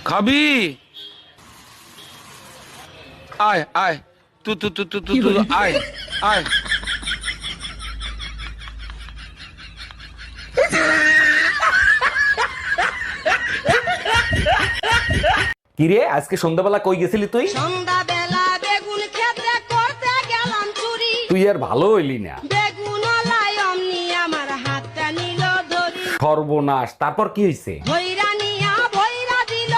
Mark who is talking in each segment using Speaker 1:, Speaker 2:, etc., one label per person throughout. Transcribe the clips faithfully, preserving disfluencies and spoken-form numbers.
Speaker 1: খাবি? আয় আয়, তু তু তু তু তু তু আয় আয়।
Speaker 2: কিরে আজকে সন্ধ্যাবেলা কই গেছিলি তুই?
Speaker 3: সন্ধ্যাবেলা বেগুন ক্ষেত্রে করতে গেলাম চুরি।
Speaker 2: তুই আর ভালো হইলি না।
Speaker 3: বেগুন লাই অমনি আমার হাতটা নিল ধরি।
Speaker 2: সর্বনাশ, তারপর কি হইছে?
Speaker 3: ভৈরা নিয়া ভৈরা দিল।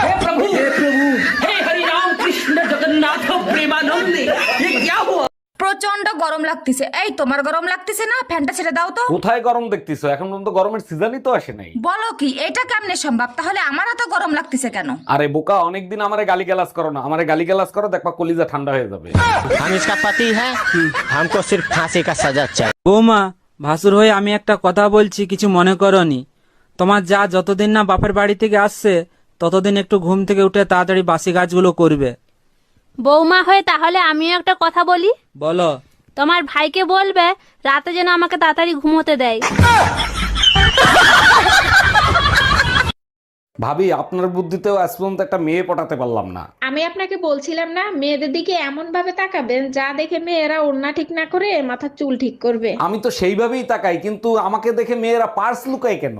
Speaker 4: প্রচন্ড গরম লাগতেছে। এই তোমার গরম লাগতেছে না? ফ্যানটা ছেড়ে দাও তো।
Speaker 2: কোথায় গরম দেখতেছো? এখন পর্যন্ত গরমের সিজনই তো আসে নাই।
Speaker 4: বলো কি, এটা কেমনে সম্ভব? তাহলে আমার এত গরম লাগতেছে কেন?
Speaker 2: আরে বোকা, অনেকদিন আমারে গালিগালাজ করো না। আমারে গালিগালাজ করো, দেখবা কলিজা ঠান্ডা হয়ে যাবে।
Speaker 5: हम इसका पति है, हमको सिर्फ फांसी का सजा चाहिए।
Speaker 6: বৌমা, ভাসুর হয়ে আমি একটা কথা বলছি, কিছু মনে করনি। তোমার যা যতদিন না বাপের বাড়ি থেকে আসছে ততদিন একটু ঘুম থেকে উঠে তাড়াতাড়ি বাসি কাজগুলো করবে।
Speaker 7: বৌমা হয়ে তাহলে আমিও একটা কথা বলি।
Speaker 6: বলো।
Speaker 7: তোমার ভাইকে বলবে রাতে যেন আমাকে তাড়াতাড়ি ঘুমোতে দেয়।
Speaker 2: ভাবি, আপনার বুদ্ধিতেও আজ পর্যন্ত একটা মেয়ে পটাতে পারলাম না।
Speaker 8: আমি আপনাকে বলছিলাম না, মেয়েদের দিকে এমন ভাবে তাকাবেন যা দেখে মেয়েরা ওড়না ঠিক না করে মাথার চুল ঠিক করবে।
Speaker 2: আমি তো সেইভাবেই তাকাই, কিন্তু আমাকে দেখে মেয়েরা পার্স লুকায় কেন?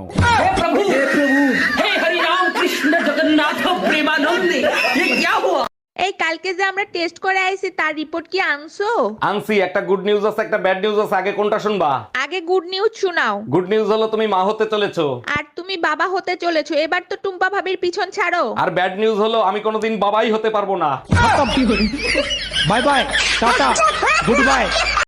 Speaker 8: এই কালকে যে আমরা টেস্ট করে আইছি তার রিপোর্ট কি আনছো?
Speaker 2: আনছি। একটা গুড নিউজ আছে, একটা ব্যাড নিউজ আছে। আগে কোনটা শুনবা?
Speaker 8: আগে গুড নিউজ শোনাও।
Speaker 2: গুড নিউজ হলো তুমি মা হতে চলেছো।
Speaker 8: আর তুমি বাবা হতে চলেছো। এবার তো টুম্পা ভাবির পিছন ছাড়ো।
Speaker 2: আর ব্যাড নিউজ হলো আমি কোনোদিন বাবাই হতে পারবো না।
Speaker 5: Bye bye, tata, good bye.